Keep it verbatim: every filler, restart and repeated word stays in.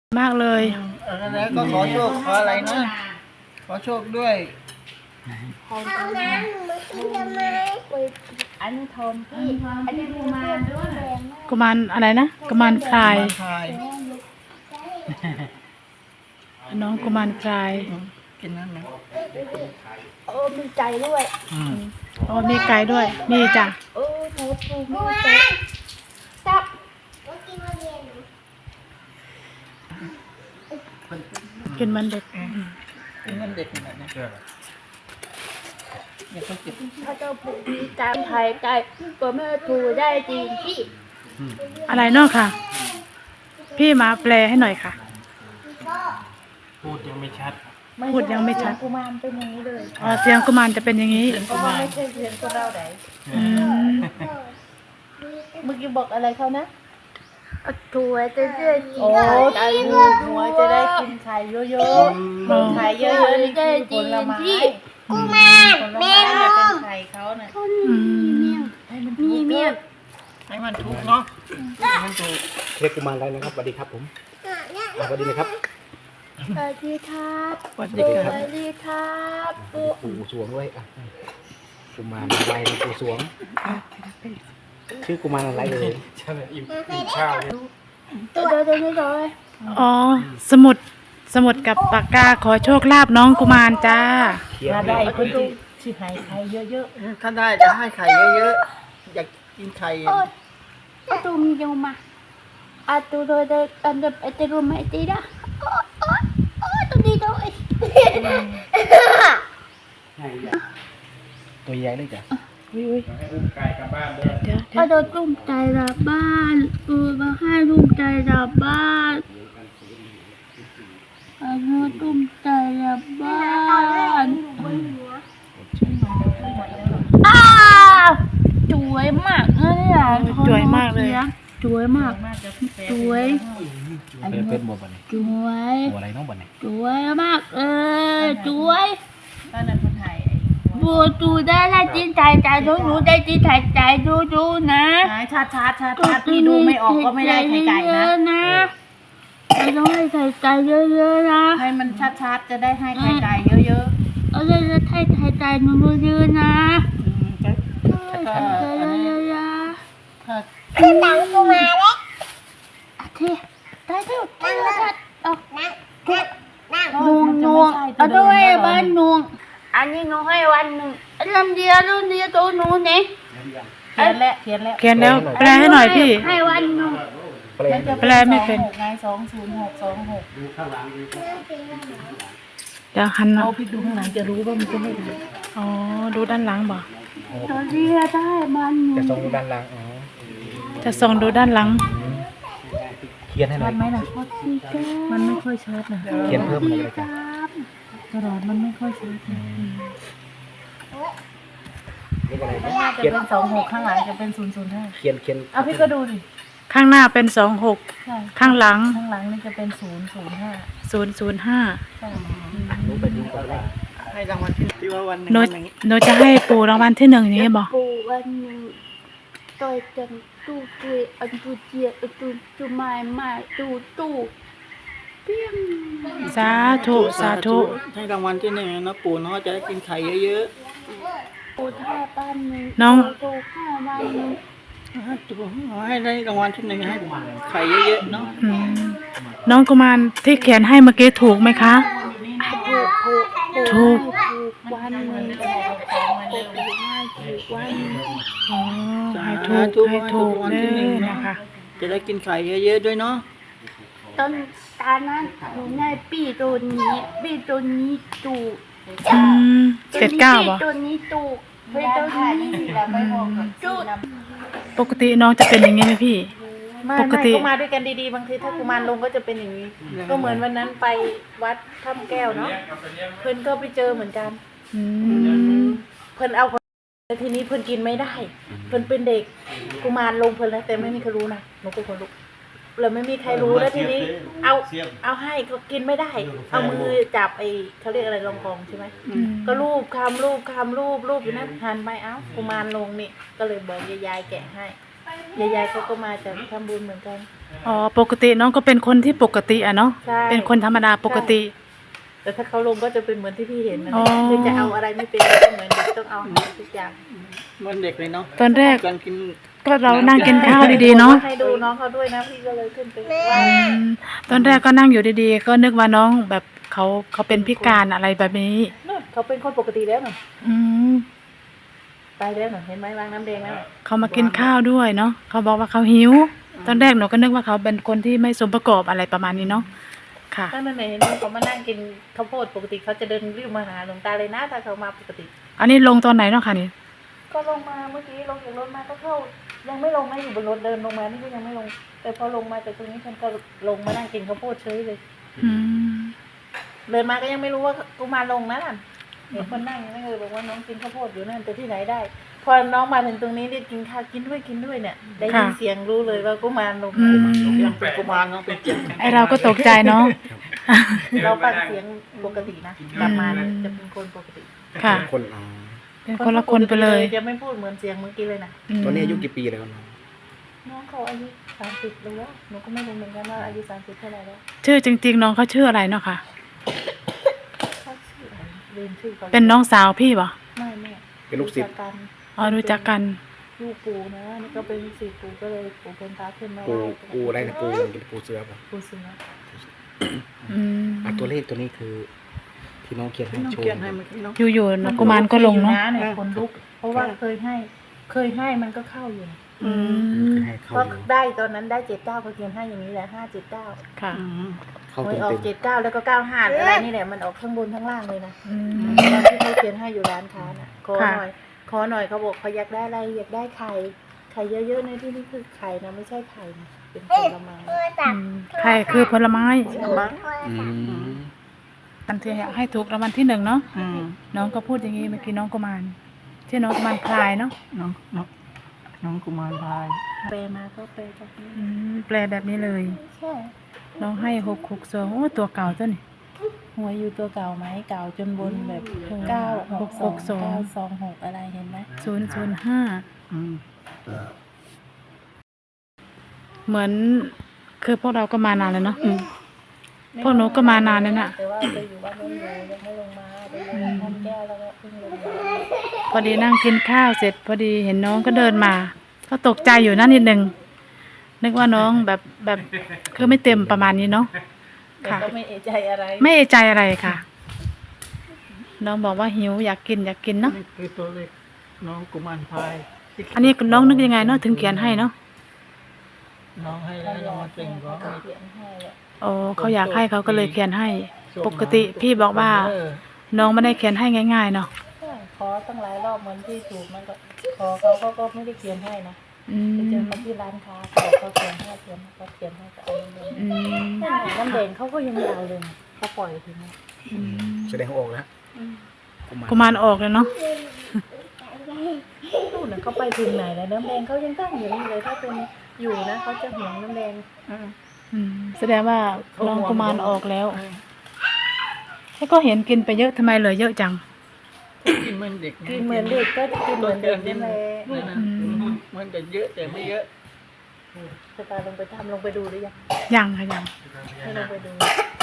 มากเลยแล้วก็ขอโชคขออะไรนะขอโชคด้วยเอาน้ำหนูมากินทำไมอันนี้ทอมพี่อันนี้กุมารด้วยกุมารอะไรนะกุมารพลายน้องกุมารพลายกินนั่นนะโอ้มีใจด้วยโอ้มีไก่ด้วยมีจ้ะโอ้โหถูกมีใจจับกินมันเด็กกินมันเด็กแบบนี้อย่าไปเก็บถ้าเจ้าปู่มีใจไทยใจก็ไม่ถูกได้จริงพี่อะไรนอกค่ะพี่มาแปลให้หน่อยค่ะพูดยังไม่ชัดพูดยังไม่ชัดกุมารเป็นอย่างนี้เลยอ๋อเสียงกุมารจะเป็นอย่างนี้เพราะว่าไม่ใช่เสียงคนเราไหนเมื่อกี้บอกอะไรเขานะถั่วจะได้กินไข่หัวจะได้กินไข่เยอะๆไข่เยอะๆนี่คือผลไม้กุมารแม่นมเป็นไข่เขาน่ะให้มันมีเมี่ยงให้มันถูกเนาะให้มันถูกเรียกกุมารอะไรนะครับสวัสดีครับผมสวัสดีนะครับสวัสดีครับสวัสดีครับสวัสดีครับปู่สวงด้วยอ่ะกุมารอะไรปู่สวงชื่อกุมารอะไรเลยใช่ไหมอิ่มอิ่มข้าวเนี่ยตัวเดียวตัวนี้เลยอ๋อสมุดสมุดกับปากกาขอโชคลาภน้องกุมารจ้าถ้าได้คนที่ชื่อไข่ไข่เยอะๆถ้าได้จะให้ไข่เยอะๆอยากกินไข่อะตูมีเยอะมาอะตูโดยโดยอันเดอร์เตรูไม่ตีนะโอ้โอ้โอ้ตัวนี้ด้วยตัวใหญ่เลยจ้ะวิวไก่กลับบ้านเด้อเดี๋ยวพอโดนตุ้มใจรับบ้านตูมาให้ตุ้มใจรับบ้านอันนี้ตุ้มใจรับบ้านอ้าสวยมากเลยอ่ะสวยมากเลยสวยมากสวยเป็นเป็นบัวบันสวยบัวอะไรน้องบันไหนสวยมากเออสวยบูดูได้ได้จินถ่ายใจดูดูได้จินถ่ายใจดูดูนะชัดชัดชัดชัดพี่ดูไม่ออกก็ไม่ได้ไข่ไก่นะเราต้องให้ไข่ไก่เยอะๆนะให้มันชัดชัดจะได้ให้ไข่ไก่เยอะๆเอาเลยจะให้ไข่ไก่หนูเยอะๆนะไข่ไก่เยอะๆคือตังกูมาแล้วโอเคได้ทุกนั่งแล้วเอานั่งนั่งนวงนวงเอาด้วยบ้านนวงอันนี้หนูให้วันหนึ่งลำเดียวลำเดียวตัวหนูเนี่ยเขียนแล้วเขียนแล้วเขียนแล้วแปลให้หน่อยพี่ให้วันหนึ่งแปลไม่เป็นไงสองศูนย์หกสองหกดูข้างหลังดูเดี๋ยวหันเอาพี่ดูข้างหลังจะรู้ว่ามันจะไม่ดีอ๋อดูด้านหลังบ่ตัวเดียวได้มันหนึ่งจะส่งดูด้านหลังอ๋อจะส่งดูด้านหลังเขียนให้หน่อยไหมล่ะมันไม่ค่อยชัดนะเขียนเพิ่มเลยจ้ะกระดาษมันไม่ค่อยชัดน่าจะเป็นสองหกข้างหลังจะเป็นศูนย์ศูนย์ห้าเขียนเขียนเอาพี่ก็ดูดิข้างหน้าเป็นสองหกข้างหลังข้างหลังนี่จะเป็นศูนย์ศูนย์ห้าศูนย์ศูนย์ห้ารู้ไปดูก่อนเลยให้รางวัลที่ว่าวันหนึ่งโนจะให้ปู่รางวัลที่หนึ่งนี้บอกปู่วันหนึ่งต่อยจันตู้ตู้อันตู้เจียอันตู้ตู้ไม้ไม้ตู้ตู้เปี้ยงสาธุสาธุให้รางวัลที่หนึ่งนะปู่เนาะจะได้กินไข่เยอะๆปู่ท่าบ้านหนึ่งน้องปู่ข้าบ้านหนึ่งให้ได้รางวัลที่หนึ่งให้ไข่เยอะๆเนาะน้องกุมารที่เขียนให้เมื่อกี้ถูกไหมคะถูกถูกวันหนึ่งวันอ๋อให้ถูกให้ถูกเลยนะคะจะได้กินไข่เยอะๆด้วยเนาะตอนตานั้นหนูในปีตัวนี้ปีตัวนี้ตูเจ็ดเก้าป่ะตัวนี้ตูปีตัวนี้ตูปกติน้องจะเป็นอย่างนี้ไหมพี่ปกติก็มาด้วยกันดีๆบางทีถ้ากุมารลงก็จะเป็นอย่างนี้ก็เหมือนวันนั้นไปวัดถ้ำแก้วเนาะเพื่อนก็ไปเจอเหมือนกันเพื่อนเอาทีนี้เพื่อนกินไม่ได้เพื่อนเป็นเด็กกุมารลงเพื่อนแล้วแต่ไม่มีใครรู้นะหนูเป็นคนลุกเลยไม่มีใครรู้แล้วทีนี้เอาเอาให้ก็กินไม่ได้เอามือจับไอ้เขาเรียกอะไรรองกองใช่ไหมก็รูปคำรูปคำรูปรูปอยู่นั่นหันไปเอ้ากุมารลงนี่ก็เลยบอกยายๆแกะให้ยายๆเขาก็มาจากทำบุญเหมือนกันอ๋อปกติน้องก็เป็นคนที่ปกติอะเนาะใช่เป็นคนธรรมดาปกติแต่ถ้าเขาลงก็จะเป็นเหมือนที่พี่เห็นนะอ๋อคือจะเอาอะไรไม่เป็นก็เหมือนเด็กต้องเอาทุกอย่างเหมันเด็กเลยเนาะตอนแรกการกินก็เรานั่งกินข้าวดีๆเนาะให้ดูน้องเขาด้วยนะพี่ก็เลยขึ้นไปไหว้อืมตอนแรกก็นั่งอยู่ดีๆ ก็นึกว่าน้องแบบเขาเขาเป็นพิการอะไรแบบนี้นู่นเขาเป็นคนปกติแล้วน่ะอืมไปแล้วน่ะเห็นไหมวางน้ำแดงแล้วน่ะเขามากินข้าวด้วยเนาะเขาบอกว่าเขาหิว ตอนแรกหนูก็นึกว่าเขาเป็นคนที่ไม่สมประกอบอะไรประมาณนี้เนาะค่ะถ้านั่นไหนเห็นไหมเขามานั่งกินข้าวโพดปกติเขาจะเดินรีบมาหาหลวงตาเลยนะถ้าเขามาปกติอันนี้ลงตอนไหนเนาะค่ะนี่ก็ลงมาเมื่อกี้ลงจากรถมาก็เข้ายังไม่ลงนะอยู่บนรถเดินลงมานี่ก็ยังไม่ลง แต่พอลงมาจากตรงนี้ฉันก็ลงมานั่งกินข้าวโพดเฉยเลยอืมเดินมาก็ยังไม่รู้ว่ากูมาลงนะนั่นเห็นคนนั่งยังไม่เคยบอกว่าน้องกินข้าวโพดอยู่นั่นแต่ที่ไหนได้ พอน้องมาถึงตรงนี้เรียกกินข้าวกินด้วยกินด้วยเนี่ยได้ยินเสียงรู้เลยว่ากูมารลงอืมยังเป็นกุมารเนาะเป็นเจ็บไอเราก็ตกใจเนาะเราฟังเสียงปกตินะกลับมาเนี่ยจะเป็นคนปกติค่ะคนอ๋อเป็นคนละคนไปเลยจะไม่พูดเหมือนเสียงเมื่อกี้เลยนะมตอนนี้อายุกี่ปีแล้วเนาะน้องเขาอายุสามสิบแล้วหนูก็ไม่รู้เหมือนกันว่าอายุสามสิบเท่าไหร่แล้วชื่อจริง ๆ น้องเขาชื่ออะไรเนาะค่ะเขาชื่ออะไรลืมชื่อเขาเป็นน้องสาวพี่ปะไม่แม่เป็นลูกศิษย์กันอ๋อรู้จักกันลูกปู่นะนี่ก็เป็นลูกศิษย์ปู่ก็เลยปู่เป็นพระขึ้นมาปูไหว้ปูอะไรนะปูเป็นปูเสือป่ะปู่สิงห์อืมอ่ะตัวเลขตัวนี้คือที่น้องเขียนให้โชว์อยู่ๆนะกุมารก็ลงเนาะเนี่ยคนลุก เพราะว่าเคยให้ เคยให้มันก็เข้าอยู่อืมคือให้เข้าก็อยู่ได้ตอนนั้นได้เจ็ดเก้าก็เขียนให้อย่างนี้แหละห้าเจ็ดเก้าค่ะเข้าหวยเต็มออกเต็มเจ็ดเก้าแล้วก็เก้าห้าอะไรนี่แหละมันออกข้างบนข้างล่างเลยนะอืมตอนที่เขาเขียนให้อยู่ร้านค้าน่ะขอค่ะหน่อยขอหน่อยเขาบอกเขาอยากได้อะไรอยากได้ไข่ไข่เยอะๆในที่นี้คือไข่นะไม่ใช่ไข่นะเป็นผลไม้อืมใครคือผลไม้ใช่มั้งอืมอันที่ให้ถูกรางวัลที่หนึ่งเนาะน้องก็พูดอย่างนี้เมื่อกี้น้องกุมารชื่อน้องกุมารพลายเนาะน้องน้องน้องกุมารพายแปลมาก็แปลจากนี้อืมแปลแบบนี้เลยใช่น้องให้หกหกสองโอ้ตัวเก่าตัวนี่หัวอยู่ตัวเก่าไหมเก่าจนบนแบบเก้าหกสองเก้าสองหกอะไรเห็นไหมศูนย์ศูนย์ห้าอืมเหมือนคือพวกเราก็มานานแล้วเนาะพวกหนูก็มานานแล้วน่ะแต่ว่าไปอยู่บ้านไม่อยู่ยังไม่ลงมาไปอยู่ทำแก้วแล้วก็เพิ่งลงมาพอดีนั่งกินข้าวเสร็จ พอดีเห็นน้องก็เดินมา ก็ตกใจอยู่นั่นนิดนึงนึกว่าน้องแบบแบบคือไม่เต็มประมาณนี้เนาะแต่ค่ะก็ไม่เอะใจอะไรไม่เอะใจอะไรค่ะ น้องบอกว่าหิวอยากกินอยากกินเนาะนี่คือตัวเลขน้องกุมารพายที่อันนี้น้องนึกยังไงเนาะถึงเขียนให้เนาะน้องให้แล้วน้องมาเต็งก็ให้เขียนให้แหละโอ้เขาอยากให้เขาก็เลยเขียนให้ ปกติพี่บอกว่าเออน้องไม่ได้เขียนให้ง่ายๆเนาะใช่ขอตั้งหลายรอบเหมือนที่ถูกมันก็ขอเขาเขาก็ไม่ได้เขียนให้นะอืไปเจอมเขาที่ร้านค้าเขาบอกเขาเขียนให้เขียนให้เขาเขียนให้ก็เอาเงินอืมน้ำแดงเขาก็ยังไม่เอาเลยนะเขาปล่อยทีนี้อืมแสดงว่าออกแล้วกุมารออกเลยเนาะนู่นน่ะเขาไปถึงไหนแล้วน้ำแดงเขายังตั้งอยู่นี่เลยถ้าเป็นอยู่นะเขาจะห่วงน้ำแดงอืมอืมแสดงว่าน้องกุมารออกแล้วแล้วก็เห็นกินไปเยอะทำไมเหลือเยอะจังกินเหมือนเด็กกินเหมือนเด็กก็กินเหมือนเด็กนี่แหละนี่นะอืมมันจะเยอะแต่ไม่เยอะจะพาลงไปทำลงไปดูหรือยังยังค่ะยังให้ลงไปดู